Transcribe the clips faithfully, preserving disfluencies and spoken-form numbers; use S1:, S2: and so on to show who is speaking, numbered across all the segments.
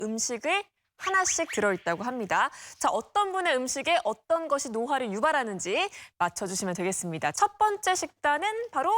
S1: 음식을 하나씩 들어있다고 합니다. 자, 어떤 분의 음식에 어떤 것이 노화를 유발하는지 맞춰주시면 되겠습니다. 첫 번째 식단은 바로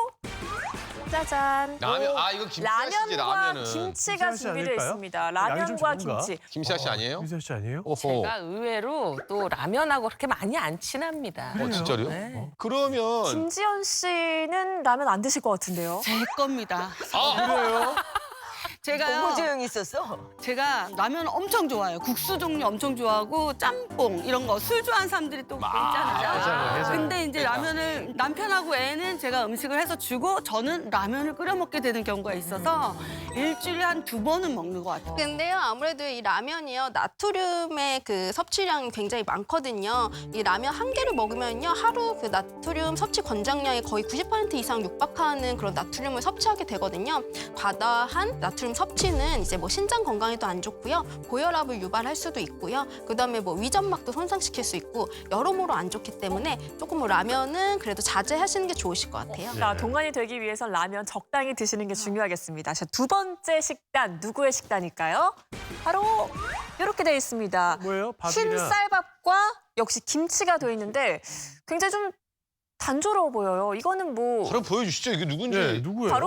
S1: 짜잔.
S2: 라면, 아 이거 김치아씨지
S1: 라면과
S2: 라면은.
S1: 김치가
S3: 김치아씨
S1: 준비되어
S3: 아닐까요?
S1: 있습니다.
S3: 양이 좀
S1: 라면과
S3: 적은가?
S1: 김치.
S2: 김치아씨 아니에요?
S3: 김세아 씨 아니에요?
S2: 오호.
S4: 제가 의외로 또 라면하고 그렇게 많이 안 친합니다.
S2: 어, 진짜로요?
S4: 네.
S2: 그러면
S1: 김지연 씨는 라면 안 드실 것 같은데요?
S5: 제 겁니다.
S2: 아
S3: 그래요?
S5: 제가요.
S6: 너무 조용히 있었어.
S5: 제가 라면 엄청 좋아해요. 국수 종류 엄청 좋아하고 짬뽕 이런 거 술 좋아하는 사람들이 또 있잖아요.
S3: 해장을, 해장.
S5: 근데 이제
S2: 해장.
S5: 라면을 남편하고 애는 제가 음식을 해서 주고 저는 라면을 끓여 먹게 되는 경우가 있어서 일주일에 한 두 번은 먹는 것 같아요.
S7: 근데요, 아무래도 이 라면이요, 나트륨의 그 섭취량이 굉장히 많거든요. 이 라면 한 개를 먹으면요, 하루 그 나트륨 섭취 권장량이 거의 구십 퍼센트 이상 육박하는 그런 나트륨을 섭취하게 되거든요. 과다한 나트륨 섭취는 이제 뭐 신장 건강에도 안 좋고요, 고혈압을 유발할 수도 있고요, 그다음에 뭐 위점막도 손상시킬 수 있고 여러모로 안 좋기 때문에 조금 뭐 라면은 그래도 자제하시는 게 좋으실 것 같아요.
S1: 자, 동안이 되기 위해서 라면 적당히 드시는 게 중요하겠습니다. 자, 두 번째 식단, 누구의 식단일까요? 바로 이렇게 되어 있습니다.
S3: 뭐예요?
S1: 흰
S3: 밥이냐?
S1: 쌀밥과 역시 김치가 되어 있는데 굉장히 좀 단조로워 보여요. 이거는 뭐
S2: 바로 보여주시죠. 이게 누군지.
S3: 네, 누구예요?
S1: 바로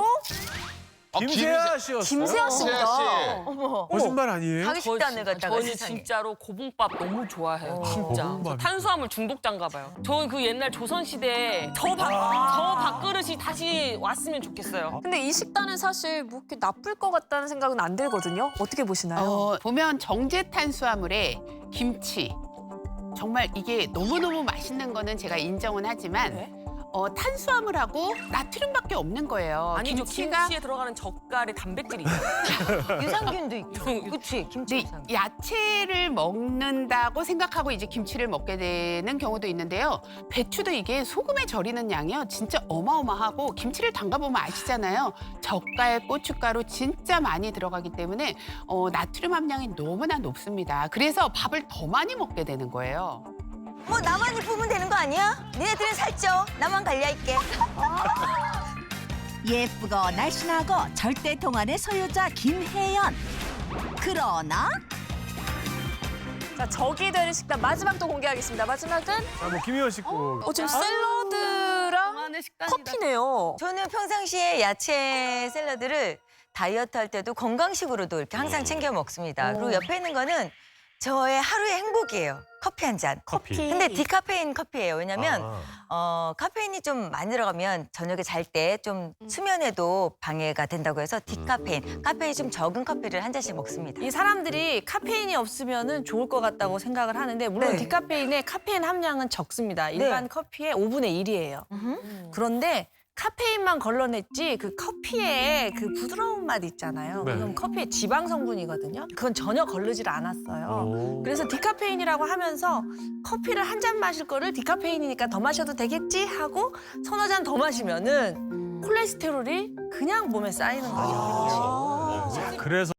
S2: 아,
S3: 김세아 씨였어요?
S1: 김세아 씨입니다.
S2: 김세아 씨.
S6: 어머.
S3: 거짓말 아니에요?
S6: 자기 식단을 갖다가
S4: 저는
S6: 세상에.
S4: 진짜로 고봉밥 너무 좋아해요.
S6: 어.
S4: 진짜.
S3: 고봉밥이
S4: 저 탄수화물 중독자인가 봐요. 저는 그 옛날 조선시대에 저, 밥,
S3: 아.
S4: 저 밥그릇이 다시 왔으면 좋겠어요.
S1: 근데 이 식단은 사실 뭐 이렇게 나쁠 것 같다는 생각은 안 들거든요. 어떻게 보시나요?
S8: 어, 보면 정제 탄수화물에 김치 정말 이게 너무너무 맛있는 거는 제가 인정은 하지만
S4: 네?
S8: 어, 탄수화물하고 나트륨밖에 없는 거예요.
S4: 아니죠.
S8: 김치가
S4: 김치에 들어가는 젓갈에 단백질이 있어요.
S6: 유산균도 있고. 그치, 김치
S8: 근데
S6: 유산균.
S8: 야채를 먹는다고 생각하고 이제 김치를 먹게 되는 경우도 있는데요. 배추도 이게 소금에 절이는 양이요. 진짜 어마어마하고 김치를 담가보면 아시잖아요. 젓갈, 고춧가루 진짜 많이 들어가기 때문에 어, 나트륨 함량이 너무나 높습니다. 그래서 밥을 더 많이 먹게 되는 거예요.
S6: 뭐 나만 이쁘면 되는 거 아니야? 니네들은 살쪄. 나만 관리할게.
S9: 예쁘고 날씬하고 절대 동안의 소유자 김혜연. 그러나
S1: 자, 적이 되는 식단 마지막 또 공개하겠습니다. 마지막은
S3: 아, 뭐 김희연 씨 거.
S1: 어, 지금 샐러드랑
S5: 동안의 식단이다.
S1: 커피네요.
S6: 저는 평상시에 야채 샐러드를 다이어트 할 때도 건강식으로도 이렇게 항상 챙겨 먹습니다. 그리고 옆에 있는 거는 저의 하루의 행복이에요. 커피 한 잔.
S3: 커피.
S6: 근데 디카페인 커피예요. 왜냐면
S3: 아.
S6: 어, 카페인이 좀 많이 들어가면 저녁에 잘 때 좀 수면에도 방해가 된다고 해서 디카페인, 카페인이 좀 적은 커피를 한 잔씩 먹습니다.
S10: 이 사람들이 카페인이 없으면 좋을 것 같다고 생각을 하는데 물론
S6: 네.
S10: 디카페인의 카페인 함량은 적습니다. 일반
S6: 네.
S10: 커피의 오분의 일이에요. 그런데 카페인만 걸러냈지 그 커피의 그 부드러운 맛 있잖아요.
S3: 네.
S10: 그건 커피의 지방 성분이거든요. 그건 전혀 걸르질 않았어요.
S3: 오.
S10: 그래서 디카페인이라고 하면서 커피를 한 잔 마실 거를 디카페인이니까 더 마셔도 되겠지 하고 서너 잔 더 마시면은 콜레스테롤이 그냥 몸에 쌓이는 거죠.
S3: 그래서